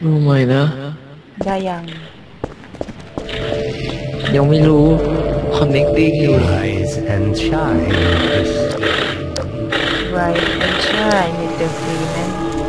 รู้ไหมนะได้ยังยังไม่รู้ connecting อยู่ Rise and shine this day. Rise and shine with the free man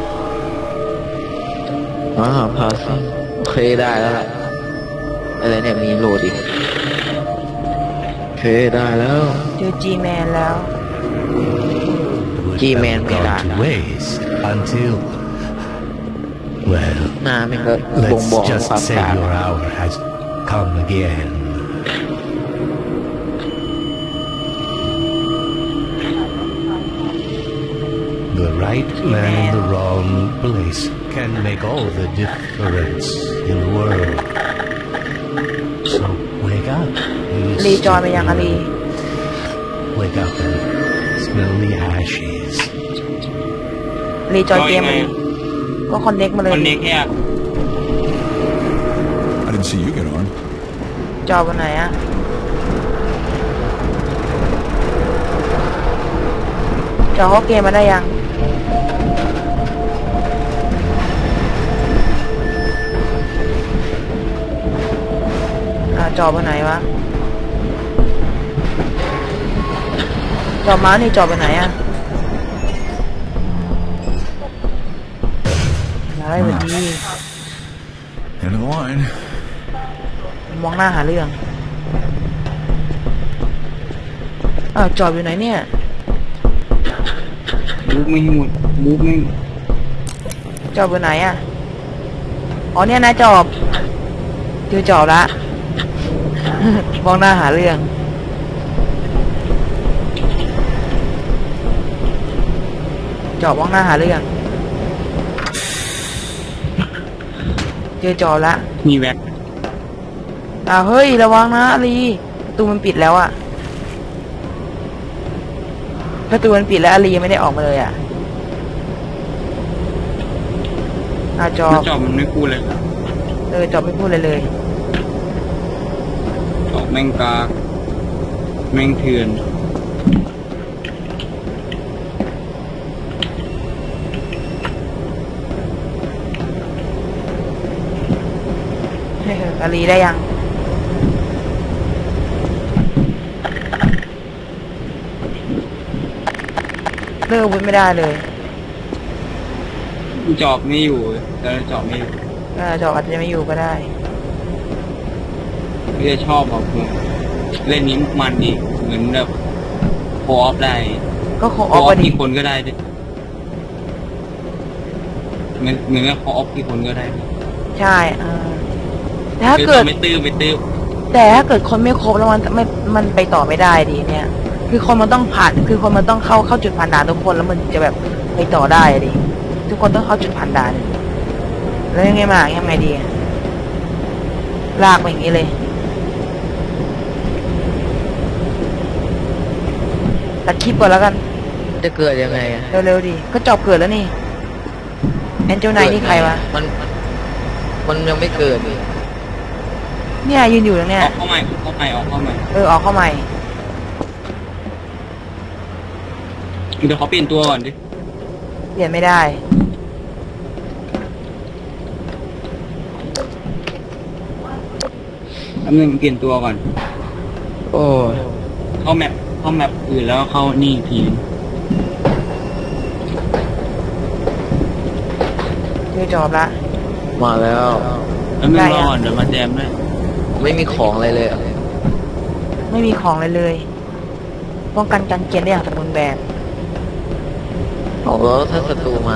พาสิโอเคได้แล้วล่ะอะไรเนี่ยมีโหลดอีกโอเคได้แล้วเจอ G-Man แล้ว Would G-Man have ไม่ได้ gone to waste until, well, หน้ามันก็บ่ง let's บอก just ความ say กลาง your hour has come again. The right man in the wrong place can make all the difference in the world. So wake up. you รีจอยไปยังอะ stupid รี little- Wake up and smell the ashes. รีจอยเกมก็คอนเน็กมาเลยคอนเน็กเนี่ย I didn't see you get on. จอวันไหนอะจอเขาเกมมาได้ยังจอวันไหนวะจอมานี่จอไปไหนอะอะไรแบบนี้ End of the line. มองหน้าหาเรื่องจอบอยู่ไหนเนี่ยมูฟไม่หมดมูฟไม่จอบอยู่ไหนอ่ะอ๋อเนี่ยนะจอบเจอจอบละ มองหน้าหาเรื่องจอบมองหน้าหาเรื่องเจอจอบละมีแว็กเฮ้ยระวังนะอาลีประตูมันปิดแล้วอะประตูมันปิดแล้วอาลียังไม่ได้ออกมาเลยอะจอมันบจอบมันไม่พูดเลยจอบไม่พูดเลยจอบแม่งกากแม่งเถื่อนอาลีได้ยังเลิกวุ้นไม่ได้เลยจอบไม่อยู่แต่จอบไม่อยู่จอบอาจจะไม่อยู่ก็ได้ไม่ได้ชอบแบบเล่นนี้มันดีเหมือนแบบโคออฟได้ก็คงโคอออฟอพฟอดีกี่คนก็ได้ด้วยเหมือนกับโคออฟกี่คนก็ได้ใช่แต่ถ้าคือเกิดไม่ตื้อไม่ตื้อแต่ถ้าเกิดคนไม่ครบแล้วมันไปต่อไม่ได้ดิเนี่ย คือคนมันต้องผ่านคือคนมันต้องเข้าจุดผ่านด่านทุกคนแล้วมันจะแบบไปต่อได้ดิทุกคนต้องเข้าจุดผ่านด่านแล้วยังไงมายังไงดีลากไปอย่างนี้เลยตัดคลิปก่อนแล้วกันจะเกิดยังไงอะเร็วๆดิก็จบเกิดแล้วนี่แอนเจลไนนี่ใครวะมันยังไม่เกิดนี่เนี่ยยืนอยู่ตรงเนี้ยออกเข้าใหม่ออกเข้าใหม่ออกเข้าใหม่เดี๋ยวเขาเปลี่ยนตัวก่อนดิเปลี่ยนไม่ได้แป๊บนึงเปลี่ยนตัวก่อนโอ้ยเข้าแมปอื่นแล้วเข้านี่อีกทีเจอจอบละมาแล้วแล้วไม่รอก่อนเดี๋ยวมาแจมด้วยไม่มีของอะไรเลยอะไม่มีของเลยเลยป้องกันการเกลียนได้อย่างสมบูรณ์แบบเอาแล้วถ้าศัตรูมา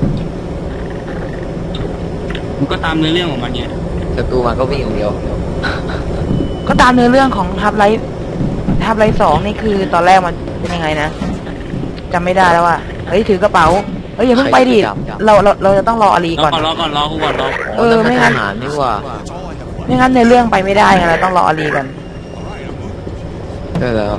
มันก็ตามเนื้อเรื่องของมันเนี่ยศัตรูมาก็วิ่งอย่างเดียวก็ตามเนื้อเรื่องของทับไลท์2นี่คือตอนแรกมันเป็นยังไงนะจำไม่ได้แล้วว่ะเฮ้ยถือกระเป๋าเฮ้ยอย่าเพิ่งไปดิจับเราจะต้องรออาลีรอก่อนก่อนรอก่อนรอกูก่อนรอไม่ทงั้นหารนี่หว่าไม่งั้นในเรื่องไปไม่ได้ไงเราต้องรออาลีก่อนได้แล้ว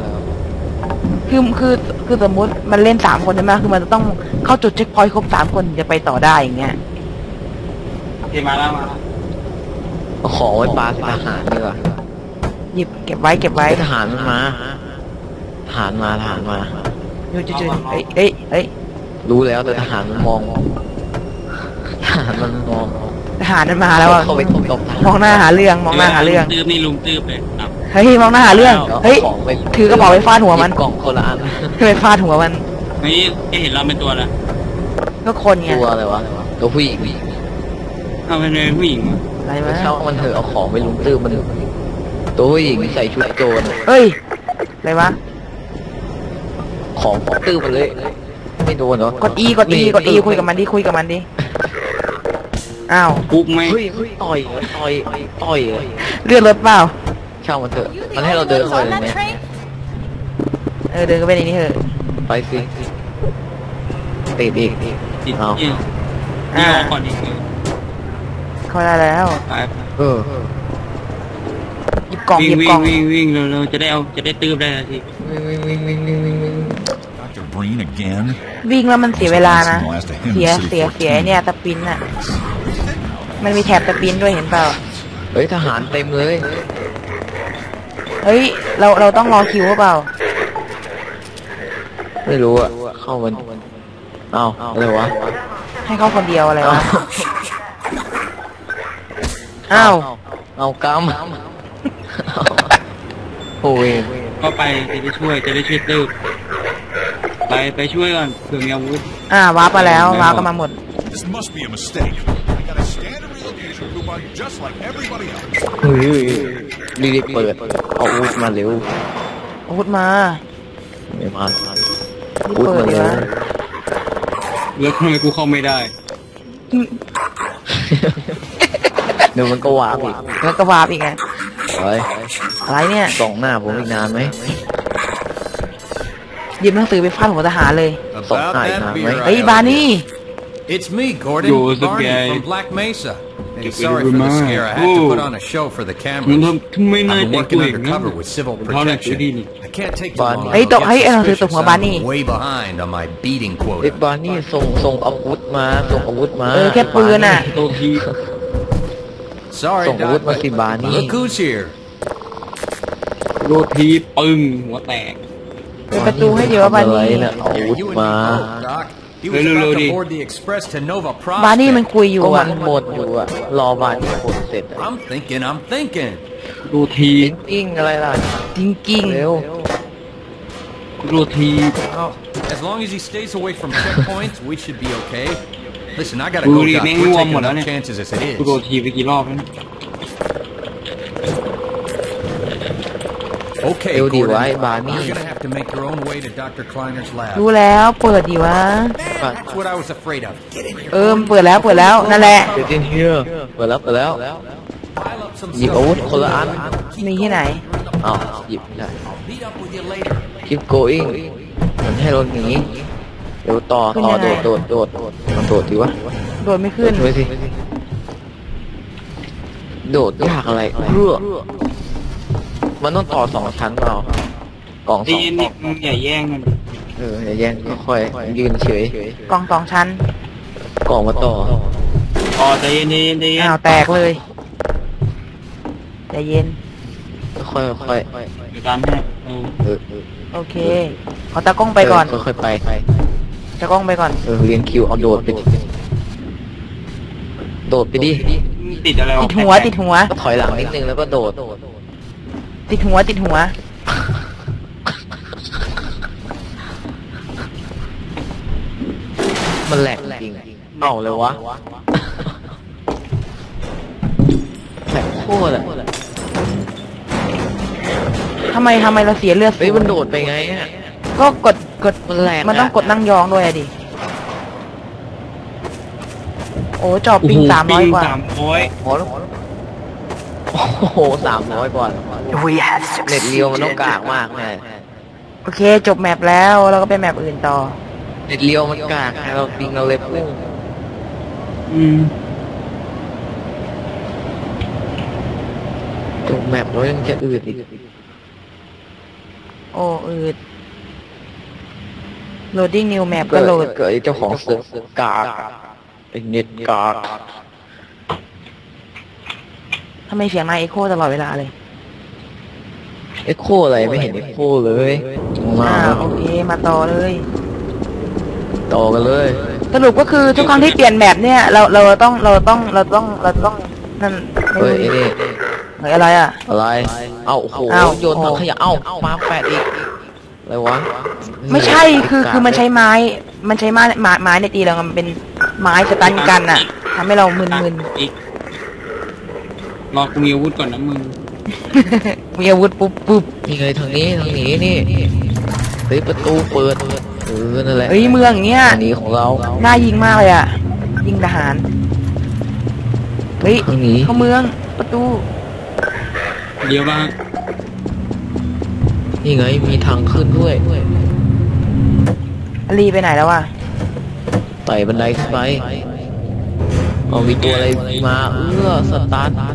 คือสมมุติมันเล่น3คนใช่ไหมคือมันจะต้องเข้าจุดเช็คพอยต์ครบ3คนถึงจะไปต่อได้อย่างเงี้ยเดี๋ยวมาแล้วเอาของไว้ปาทหารดีกว่าหยิบเก็บไว้ทหารมันมาทหารมาอยู่จุดๆเอ้ยรู้แล้วแต่ทหารมันมองทหารมันมองทหารมันมาแล้วอ่ะเข้าไปตบมองหน้าหาเรื่องมองหน้าหาเรื่องตื้อนี่ลุงตื้อเลยอ่ะเฮ้ยมองหน้าหาเรื่องเฮ้ยของไปถือกระเป๋าไปฟาดหัวมันกล่องคนละอันไปฟาดหัวมันนี่เห็นเราเป็นตัวอะไรก็คนไงตัวอะไรวะตัวผู้หญิงเอาเป็นผู้หญิงวะอะไรไม่วะเช่ามันเถอะเอาของไปลุมตื้มมันตัวผู้หญิงใส่ชุดโจรเฮ้ยอะไรวะของตื้มมันเลยไม่โดนเหรอกด E กด E กด E คุยกับมันดิคุยกับมันดิอ้าวปุ๊บไหมเฮ้ยต่อยเลื่อนรถเปล่าเช่ามันเถอะมันให้เราเดินเข้าไปเลยไหมเดินก็ไปในนี้เถอะไปสิติดอีกติดเอานี่นี่ออกก่อนอีกเข้าได้แล้วไปเออหยิบกล่องหวิ่ยิงบวิ่กล่งองวิ่งเร็วๆจะได้ตื้อได้ทีวิ่ง Dr. Breen again? วิ่งแล้วมันเสียเวลานะ Last of him เสีย city ไอ้เนี่ยตะปินน่ะ มันมีแถบตะปินด้วยเห็นเปล่าเฮ้ยทหารเต็มเลยเฮ้ยเราต้องรอคิวหรือเปล่าไม่รู้อะเข้ามันเอาอะไรวะให้เข้าคนเดียวอะไรวะ อ้าวเอากำโอ้ยก็ไปจะได้ช่วยตื้อไปช่วยก่อนเผื่อมีอาวุธว้าร์ปมาแล้วว้าร์ปกันมาหมด This must be a mistake. I got a standard relocation coupon just like everybody else. เฮ้ยรีบเปิดเอาอาวุธมาเร็วอาวุธมาไม่มารีบเปิดดีวะแล้วทำไมกูเข้าไม่ได้เดี๋ยวมันก็วาบอีกแล้วก็วาร์ปอีกไงเฮ้ยอะไรเนี่ยส่องหน้าผมอีกนานไหมหยิบหนังสือไปฟาดหัวทหารเลยส่งหายนานไหมเฮ้ยบานี่ It's me, Gordon Yo, what's up, Barney guys? from Black Mesa. Hey, Get sorry rid for of the mine. scare. I had to Ooh. put on a show for the มึง cameras. ทำไม่น่า I've been แต่ง working กูเองนะ undercover with civil เท่านั้นกู protection. ดีนี่ I can't take too Barney. long. เฮ้ย I'll เฮ้ย get เอาหนังสือตบ suspicious. หัวบานี่ I'm way behind on my beating เอ็ด quota. บาร์นี่ส่งอาวุธมาส่งอาวุธมาแค่ปืนน่ะตัวที Sorry, ส่งอาวุธ Doc, มา but สิบานี่ look who's here. โรทีปึ้งหัวแตกเปิดประตูให้เดี๋ยวว่าบาอะไรนี่เนี่ยเอาอา Here, วุธ you and me มา both, Doc. He was Lulu, about Lulu. to board the express to Nova บานี่มัน Prospect. คุยอยู่ก็มัอ่ะนหมดอยู่อะรอบาร์นี่หมดเสร็จอะ I'm thinking. โรทีกิ้งอะไรล่ะจริงจริงเร็วโรที Oh, as long as he stays away from checkpoints, we should be okay. Listen, I gotta Lulu, go, Doc. ni We're warm taking mo na enough niya. chances as it กูโร is. ทีไปกี่รอบแล้ว Okay, เร็วดี Gordon. ไว้บาร์นี่ You're gonna have to make your own way to Dr. Kleiner's lab. รู้แล้วเปิดดีวะ That's what I was afraid of. Get in here. มันเปิดแล้วนั่นแหละเดี๋ยวเจนเฮียเปิดแล้ว Pile up some หยิบอาวุธคนละอันมีที่ไหนอ้าวหยิบได้ Meet up with you later. keep going มันให้เราหนีเดี๋ยวต่อขึ้นยังไงโดดมันโดดดีวะโดดไม่ขึ้นช่วยสิโดดยากอะไรเพื่อมันต้องต่อ2 ชั้นเปล่ากล่องสตีองนี่มึงอย่าแย่งกันอย่าแย่งค่อยๆยืนเฉยกล่อง2 ชั้นกล่องมาต่ออ๋อใจเย็นอ้าวแตกเลยใจเย็นค่อยเดี๋ยวตามให้ๆโอเคเอาตากล้องไปก่อนค่อยๆไปตากล้องไปก่อนเรียนคิวเอาโดดไปดิโดดไปดิติดอะไรติดหัวก็ถอยหลังนิดนึงแล้วก็โดดติดหัวมันแหลกจริงเอาเลยวะแหลกโคตรอะทำไมเราเสียเลือดเฮ้ยมันโดดไปไงอะก็กดมันแหลกมันต้องกดนั่งยองด้วยอะดิ โอ้จอบปิง300 กว่าโอ้โห300 กว่าเน็ตเรียวมันต้องกากมากแม่โอเคจบแมปแล้วเราก็ไปแมปอื่นต่อเน็ตเรียวมันกากเราปิงเราเลยพุ่งจบแมปแล้วยังจะอืดอีกโอ้อืด loading new map ก็โหลดเกิดไอ้เจ้าของเซิร์ฟกากไอ้เน็ตกากทำไมเสียงนายเอ็โคตลอดเวลาเลยเอ็กโคอะไรไม่เห็นเอ็กโคเลยมาโอเคมาต่อเลยต่อกันเลยสรุปก็คือทุกครั้งที่เปลี่ยนแมปเนี่ยเราต้องนั่นเฮ้ยไอ้นี่เฮ้ยอะไรอ่ะอะไรเอ้าโอ้โหอ้าวโยนถังขยะเอ้ามาแปดอีกอะไรวะไม่ใช่คือมันใช้ไม้ในตีเรามันเป็นไม้สตันกันอ่ะทำให้เรามึนอีกรอกูมีอาวุธก่อนนะมึงๆ มีอาวุธปุ๊บนี่ไงทางนี้นี่เฮ้ยประตูเปิดนั่นแหละเฮ้ยเมืองอย่างเงี้ยอันนี้ของเราน่ายิงมากเลยอ่ะยิงทหารเฮ้ยทางนี้เข้าเมืองประตูเดี๋ยวบ้างนี่ไงมีทางขึ้นด้วยอลีไปไหนแล้วอ่ะไต่บันไดขึ้นไปเอามีตัวอะไรมาสตาร์ท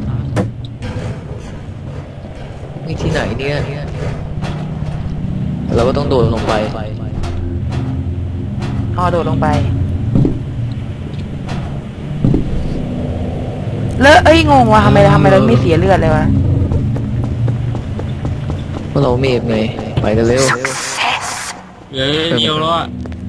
นี่ที่ไหนเนี่ยเราก็ต้องโดดลงไปอ๋อโดดลงไปแล้วเอ้ยงงว่ะทำไมเราไม่เสียเลือดเลยวะเพราะเราเมฟไงไปกันเร็วเดี๋ยวแล้วอ่ะ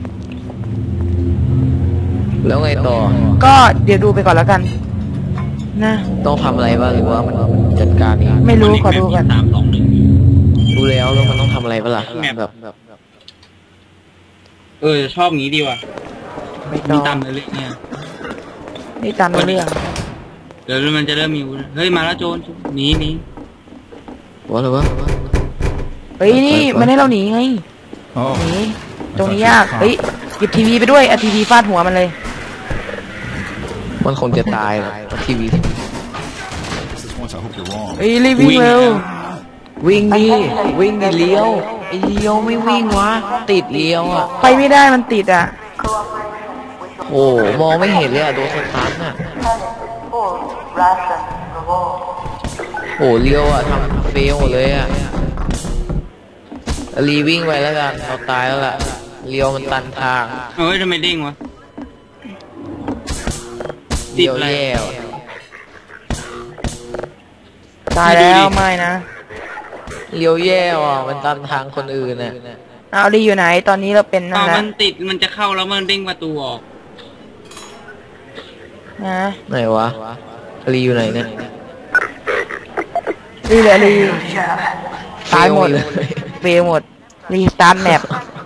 แล้วไงต่อก็เดี๋ยวดูไปก่อนแล้วกันนะต้องทำอะไรบ้างหรือว่ามันจัดการเองไม่รู้ขอดูกัน 3-2-1 ดูแล้วมันต้องทำอะไรบ้างล่ะแบบชอบงี้ดีว่ะไม่ต้มีองตามเลยเลยเนี่ยนี่ตามเรื่องเดี๋ยวมันจะเริ่มมีอาวุธเฮ้ยมาแล้วโจรหนีว่าอะไรวะเฮ้ยนี่มันให้เราหนีไง Oh, หนีตรงนี้ยากเฮ้ยหยิบทีวีไปด้วยเอาทีวีฟาดหัวมันเลยมันคงจะตายนะทีวี This is once I hope you're wrong. เฮ้ยรีบวิ่งเร็ววิ่งดิเลี้ยวไอ้เลี้ยวไม่วิ่งวะติดเลี้ยวอ่ะไปไม่ได้มันติดอ่ะโอ้มองไม่เห็นเลยอ่ะโดนสตาร์ทอ่ะโอ้เลี้ยวอ่ะทำเฟลเลยอ่ะรีวิ่งไปแล้วกันเราตายแล้วล่ะเลี้ยวมันตันทางเฮ้ยทำไมเด้งวะ ติเลี้ดยวอะไรแย่ว่ะตายแล้วไม่นะเลี้ยวแย่ว่ะมันตันทางคนอื่นน่ะเอาลีอยู่ไหนตอนนี้เราเป็นนั่นอ้าวแหละมันติดมันจะเข้าแล้วมันเด้งประตูออกนะไหนวะรีอยู่ไหนเนี่ยลีเหลือลีตายหมดเฟลเลยเฟลหมดรีสตาร์ทแมป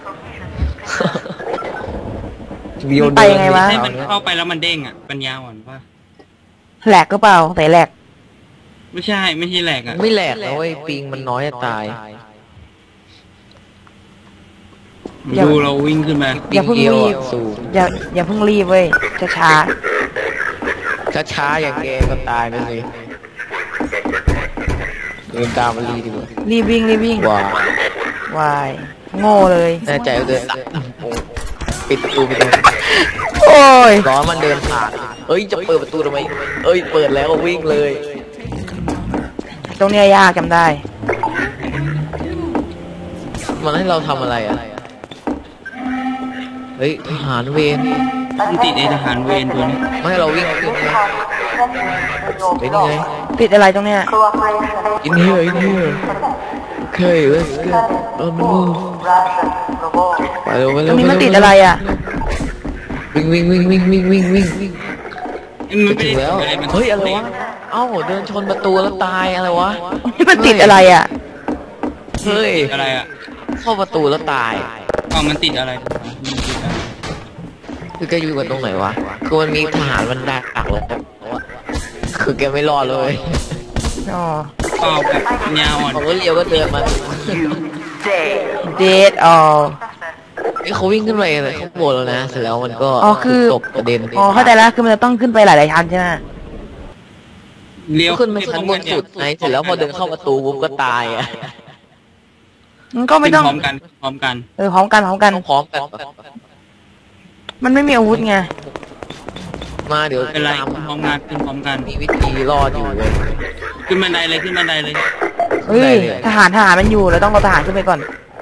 เลี้ยวมันไปยังไงวะให้มันเข้าไปแล้วมันเด้งอ่ะปัญญาอ่อนป่ะแหลกก็เปล่าแต่แหลกไม่ใช่แหลกอ่ะไม่แหลกนะเว้ยปิงมันน้อยจะตายดูเราวิ่งขึ้นมาอย่าเพิ่งปิดีวรีบอะสูงอย่าเพิ่งรีบเว้ยช้าช้าๆอย่างแกก็ตายไปสิเดินตามมารีดีกว่าๆรีบวิ่งว้าวายโง่เลยแน่ใจว่าเดินตามโอ้ปิดประตูไปเลยโอ้ยร้อนมันเดินผ่านเอ้ยจะเปิดประตูทำไมเอ้ยเปิดแล้ววิ่งเลยตรงเนี้ยยากจำได้มันให้เราทำอะไรอ่ะเฮ้ยทหารเวรมันติดไอทหารเวรตัวนี้ไม่ให้เราวิ่งขึ้นไงเป็นไงติดอะไรตรงเนี้ย in here okay let's get on the move ไปเร็วไปตเร็รวงนี้มันติดอะไรอ่ะวิ่งมันไม่ไปได้ถึงแล้วอะไรมันเฮ้ยอะไรวะเอ้าเดินชนประตูแล้วตายอะไรวะนี่มันติดอะไรอ่ะเฮ้ยอะไรอ่ะเข้าประตูแล้วตายอ๋อมันติดอะไรมันติดอะไรคือแกอยู่กันตรงไหนวะคือมันมีทหารมันดักเลยคือแกไม่รอดเลยอ๋อเปล่าแบบปัญญาอ่อนเขาก็เลี้ยวก็เดินมาเดทอ๋อนี่เขาวิ่งขึ้นไปเลยเขาโบดแล้วนะเสร็จแล้วมันก็อ๋อคือตกกระเด็นอ๋อเข้าใจแล้วคือมันจะต้องขึ้นไปหลายๆชั้นใช่ไหมเลี้ยวขึ้นไปชั้นบนสุดไงเสร็จแล้วพอเดินเข้าประตูปุ๊บก็ตายอ่ะมันก็ไม่ต้องพร้อมกันพร้อมกันต้องพร้อมกันมันไม่มีอาวุธไงมาเดี๋ยวเป็นไรตามพร้อมกันขึ้นพร้อมกันมีวิธีรอดอยู่เลยขึ้นบันไดเลยขึ้นบันไดเลยเฮ้ยได้เลยทหารมันอยู่เราต้องเอาทหารขึ้นไปก่อน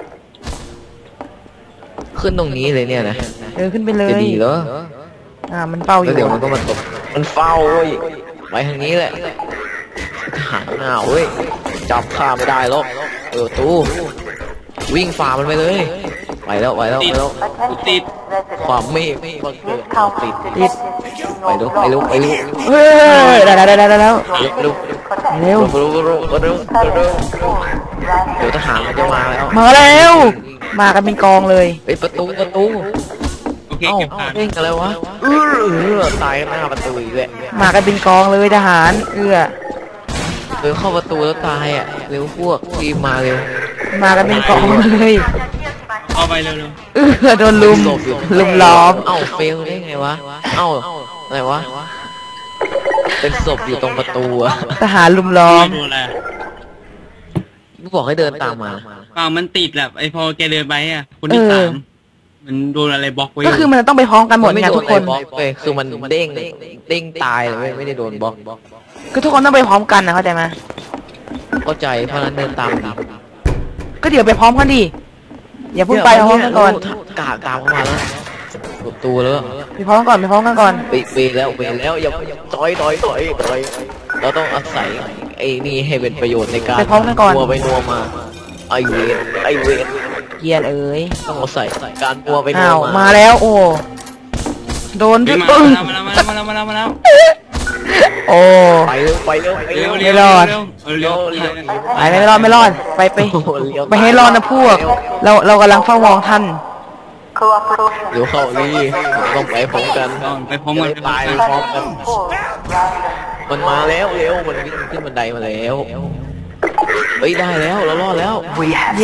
ขึ้นตรงนี้เลยเนี่ยนะขึ้นไปเลยจะดีเหรอมันเป้าอแล้วยู่เดี๋ยวมันก็มาตกมันเฝ้าเว้ยไปทางนี้แหละทหารหน้าเว้ยจับข้าไม่ได้หรอกเออตู้วิ่งฝ่ามันไปเลยไปแล้วไปแล้วติไปดแล้วกูติดความเมฆก็เกิดเอาติดติดไปเร็วไปเร็วไปเร็วเฮ้ยได้แล้วเร็วเร็วเร็วเร็วเร็วเร็วเดี๋ยวทหารมันจะมาแล้วมาแล้ว มากันเป็นกองเลยไอ้ประตูโอเคเอ้าเก็บผ่านเร่งอะไรวะตายหน้าประตูอีกแล้วมากันเป็นกองเลยทหารเข้าประตูแล้วตายอ่ะเร็วพวกรีบมาเร็วมากันเป็นกองเลยเอาไปเร็วโดนลุมล้อมเอ้าเฟลได้ไงวะเอ้าอะไรวะเป็นศพอยู่ตรงประตูอะทหารลุมล้อๆมไม่ดูอะไรกูบอกให้เดินตามมาเปล่ามันติดแหละไอพอแกเดินไปอ่ะคนที่สามมันโดนอะไรบล็อกไว้ก็คือมันต้องไปพร้อมกันหมดไงทุกคนบล็อกเว้ยคือมันเด้งตายเลยไม่ได้โดนบล็อกก็ทุกคนต้องไปพร้อมกันนะเข้าใจไหมเข้าใจเพราะนั้นเดินตามดิก็เดี๋ยวไปพร้อมกันดิอย่าเพิ่งไปพร้อมกันก่อนกาตามเข้ามาแล้วประตูแล้วไปพร้อมกันก่อนไปแล้วอย่าต่อยเราต้องอาศัยไอ้นี่ให้เป็นประโยชน์ในการไปพร้อมกันก่อนนัวไปนัวมาไอเวนเกียร์เอ๋ยต้องอาศัยการนัวไปนัอ้าว วมามาแล้วโอ้โดนเฮ้ด้ยวยมาปึ้งแล้วโอ้ไปเร็วไม่รอด ไปไม่รอดไปให้รอดนะพวก เรากำลังเฝ้ามองท่านเดี๋ยวเข้านี่ต้องไปพร้อมกันไปพร้อมกันตายพร้อมกันมันมาแล้วเร็วมันวิ่งขึ้นบันไดมาแล้วเฮ้ยได้แล้วเรารอดแล้วเย้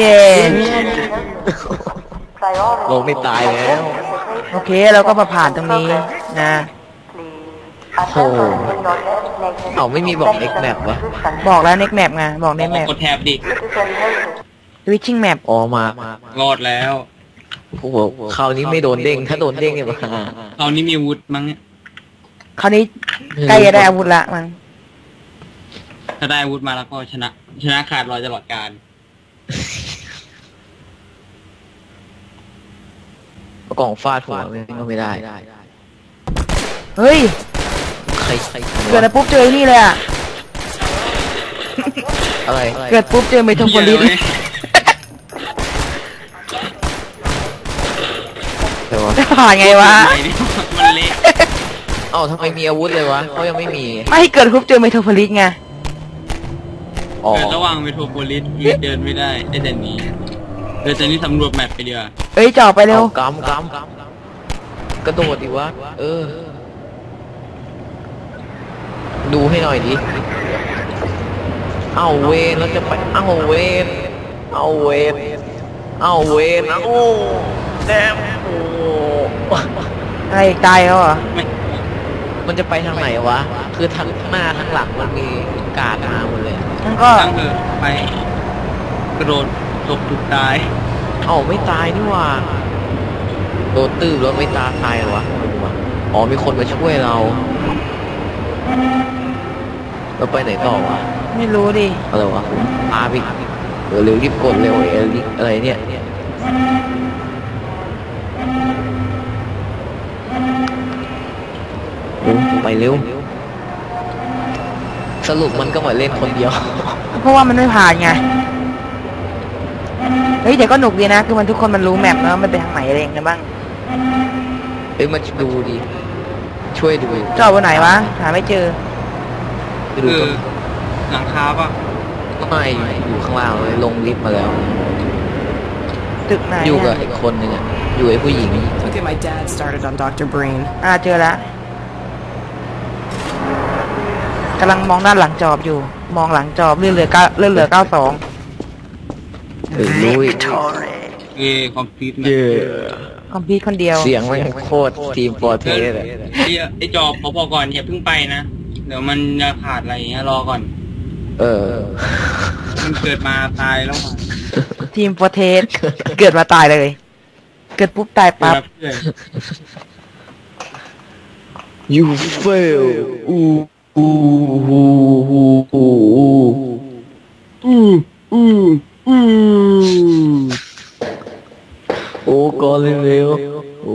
ลงไม่ตายแล้วโอเคเราก็มาผ่านตรงนี้นะโอ้เอาไม่มีบอกเอ็กแมปวะบอกแล้ว next map ไงบอก next map กดแท็บดิ switching map อ๋อมารอดแล้วโอ้โหคราวนี้ไม่โดนเด้งถ้าโดนเด้งเนี่ยมาคราวนี้มีอาวุธมั้งเนี่ยคราวนี้ใกล้จะได้อาวุธละมันถ้าได้อาวุธมาแล้วก็ชนะขาดรอยตลอดการกล่องฟาดหัวก็ไม่ได้เฮ้ยใครเกิดอะไรปุ๊บเจอไอ้นี่เลยอ่ะอะไรเกิดปุ๊บเจอเมทัลโพลิสแต่ว่าจะผ่านไงวะมันเละเอ้าทำไมมีอาวุธเลยวะเขายังไม่มีไม่เกิดปุ๊บเจอเมทัลโพลิสไงอ๋อเดินระหว่างเมโทรโพลิสเดินไม่ได้ได้แต่นี้เดินแต่นี้สำรวจแมปไปเดียวเอ้ยจ่อไปเร็วกำกระโดดดิวะดูให้หน่อยดิเอาเวนแล้วจะไปเอาเวนแดมโอ้อะไรตายแล้วเหรอไม่มันจะไปทางไหนวะคือทางหน้าทางหลังมันมีการมาหมดเลยงั้นก็ตั้งเถอะไปกระโดดตกถูกตายเอ้าไม่ตายนี่ว่าโดนตื้อแล้วไม่ตายเหรอวะอ๋อมีคนมาช่วยเราไปไหนต่อวะไม่รู้ดิอะไรวะพาไปเร็วรีบกดเร็วอะไรเนี่ยไปเร็วสรุปมันก็มาเล่นคนเดียวเพราะว่ามันไม่ผ่านไงเฮ้ยแต่ก็หนุกดีนะคือมันทุกคนมันรู้แมปนะมันไปทางไหนอะไรอย่างเงี้ยบ้างเอ้ยมาดูดิช่วยดูจอดบนไหนวะหาไม่เจอไปดูคือต้นหลังคาป่ะไม่อยู่ข้างล่างเลยลงลิฟต์มาแล้วตึกไหนอยู่กับอะอีกคนนึงอ่ะอยู่ไอ้ผู้หญิง Okay, my dad started on Dr. Brain. เจอละกำลังมองด้านหลังจอบอยู่ มองหลังจอบเลื่อนเหลือ92 เฮ้ยลุยคอมพิวเตอร์เย่คอมพิวคนเดียวเสียงมันโคตรทีมฟอร์เทสเลยไอจอบพอก่อนอย่าเพิ่งไปนะเดี๋ยวมันจะขาดอะไรอย่างเงี้ยรอก่อน มันเกิดมาตายแล้วทีมโปรเทสเกิดมาตายเลย เกิดปุ๊บตายปั๊บเพื่อน you fail โอ้ก่อนเร็วโอ้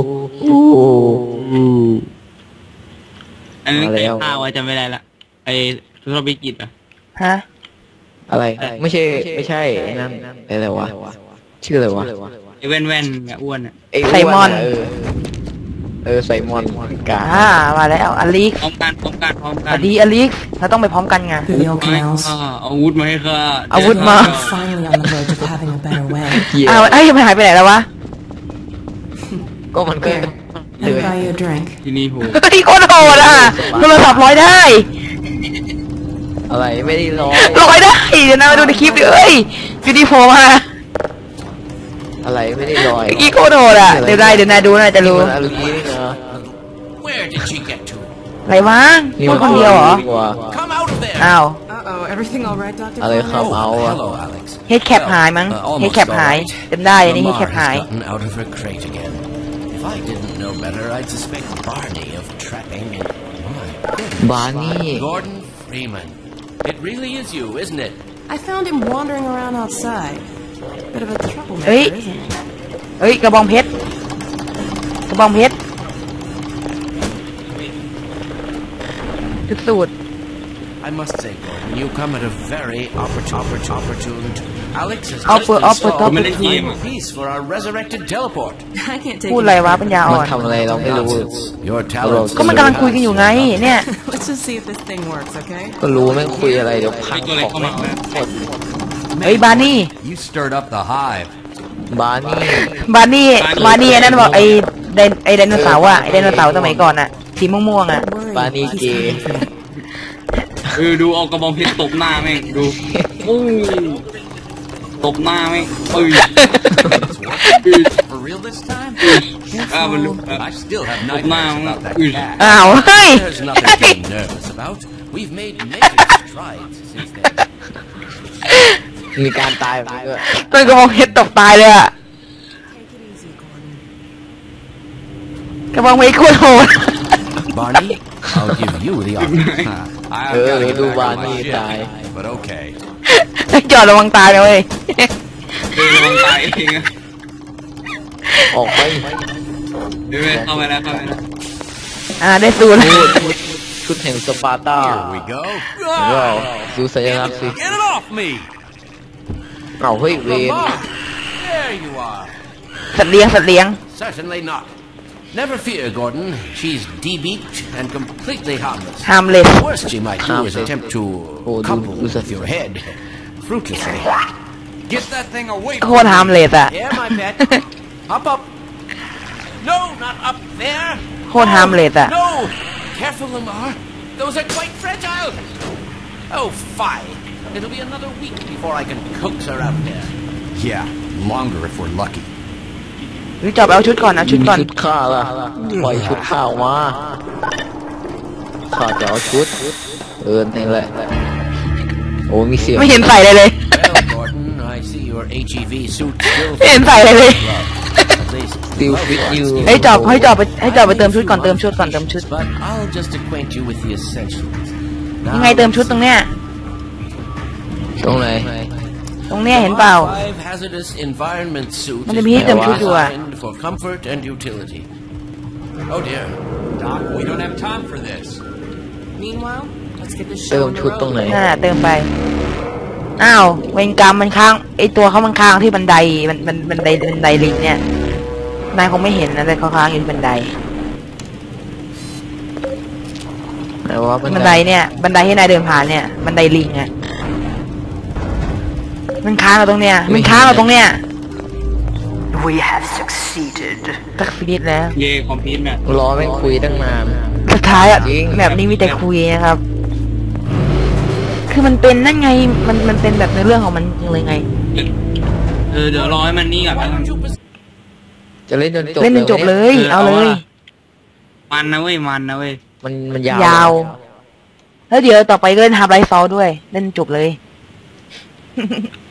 อันนั้นมาแล้ไก่วข้าวจำไม่ได้ละไอธุรกิจอ่ะฮะอะไรไม่ใช่ไอ้นั่นอะไรวะชื่ออะไรวะไออ้แว่นๆเนี่ยอ้วนอ่ะไอ้ไซมอนไซมอนกามาแล้วอลิกพร้อมกันสวัสดีอลิกเราต้องไปพร้อมกันไง Through the old ไม่ canals. อาวุธมาให้ข้าอาวุธมา We're finally on the verge of having a better way. อ้าวไอ้ยมันหายไปไหนแล้ววะก็มันก็ Here, let me buy you a drink. ที่นี่โหเฮ้ยโคตรโหดอ่ะโทรศัพท์ร้อยได้อะไรไม่ได้ร้อยร้อยได้เดี๋ยวนะมาดูในคลิปดิเอ้ยอยู่ดีโผล่มาอะไรไม่ได้ร้อยเมื่อกี้โคตรโหดอ่ะเดี๋ยวนายดูน่าจะรู้มันอะไรนี่เนาะ Where did she get to? อะไรวะพูดคนเดียวเหรอ Come out of there! อ้าว Uh-oh, everything all right, Dr. อะไรครับ Fine? เอาอะ Hello, Alex. เฮดแคปหายมั้งเฮดแคปหายจำได้อันนี้เฮดแคป Lamar หาย has gotten out of her crate again. If I didn't know better, I'd suspect Barney of trapping. My goodness. บาร์นี่ Gordon Freeman. It really is you, isn't it? I found him wandering around outside. Bit of a troublemaker, Hey. isn't he? เฮ้ยกระบองเพชรกระบองเพชรจุดสูตร I must say, Gordon, you come at a very opportune. Alex has just Upper, installed upper. the final piece for our resurrected teleport. I can't take พูด him อะไรวะ back. ปัญญามัอ่นอนทำอะไรเราไม่รู้ Your talents. ก็มันกำลังคุยกันอยู่ไงเนี่ย Let's just see if this thing works, okay? ก็รู้แม่งคุยอะไรเดี๋ยวพังตัวอะไรของเข้าแม่มางหมดเฮ้ยบาร์นี่ You stirred up the hive. บาร์นี่บาร์นี่ไอ้นั่นบอกไอ้ไดโนเสาร์อ่ะไอ้ไดโนเสาร์สมัยก่อนอ่ะสีม่วงๆอ่ะ Don't worry, Barney he's gay. coming for you. ดูเอากระบองเพชรตบหน้าแม่งดูปุ้งตบหน้าแม่งปืน For real this time? มัน I still have ตบหน้า nightmares แม่ง about that ปืน cat. อ้าวเฮ้ย There's nothing to be nervous about. We've made major strides since then. มีการตายแบบนี้ด้วยต้นกระบองเพชรตกตายเลยอ่ะกระบองเพชรโคตรโหด Barney, I'll give you the honor. I've เออ gotta เดี๋ยว get ดู back บา on ร์ my นี่ ship, ตาย but okay. จอดระวังตายนะเว้ยลงตายเองอะออกไปเข้าไปแล้วได้สูตรชุดแห่งสปาร์ตา Here we go. ว้าวดูสัญลักษณ์สิ Get it off me! เอาเฮ้ยเวน Lamar! There you are. สัตว์เลี้ยง Certainly not. Never fear, Gordon. She's de-beaked and completely harmless. harmless The worst she might do is attempt to Oh, couple do with your head. Fruitlessly. Get that thing away โคตร harmless อ่ะ Here, my pet. Hop up. No, not up there. โคตร harmless อ่ะ No. Careful, Lamar. Those are quite fragile. Oh, fine. It'll be another week before I can coax her out there. Yeah, longer if we're lucky. วิจอบเอาชุดก่อนเอาชุดก่อนชุดข้าล่ะปล่อยชุดข้าออกมาข้าจะเอาชุดนี่แหละโอ้มีเสียงไม่เห็นใส่เลย Well, Gordon, I see your HEV suit still ไม่เห็นใส่เลย at least. ติวฟิตยูให้จอบไปเติมชุดก่อนเติมชุด But I'll just acquaint you with the essentials. ยังไงเติมชุดตรงเนี้ยตรงไหนตรงเนี้ยเห็นเปล่า Five hazardous environment suit มันจะมีให้เติมชุดอยู่อะ designed for comfort and utility. Oh dear. Doc, we don't have time for this. Meanwhile, let's get this เติ show ม on the ชุดตรงไหน road. เติมไปอ้าวเวรกรรมมันค้างไอตัวเขามันค้างที่บันไดบันไดลิงเนี่ยนายคงไม่เห็นนะแต่เขาค้างอยู่ที่บันไดไหนว่าบันไดเนี่ยบันไดให้นายเดินผ่านเนี่ยบันไดลิงอ่ะมันค้างอยู่ตรงเนี้ยมันค้างอยู่ตรงเนี้ย We have succeeded. ตักซีดแล้วเย่คอมพิวต์เนี่ยรอแม่งคุยตั้งนานสุดท้ายอ่ะจริงแบบนี้มีแต่คุยนะครับ คือมันเป็นนั่นไงมันเป็นแบบในเรื่องของมันเลยไงเดี๋ยวรอให้มันนี่ก่อนแล้วกันจะเล่นจนจบเล่นจนจบเลย เอาเลยมันนะเว้ยมันยาวยาว แล้วเดี๋ยวต่อไปก็เล่นฮาร์ดไลท์ซอลด้วย เล่นจบเลย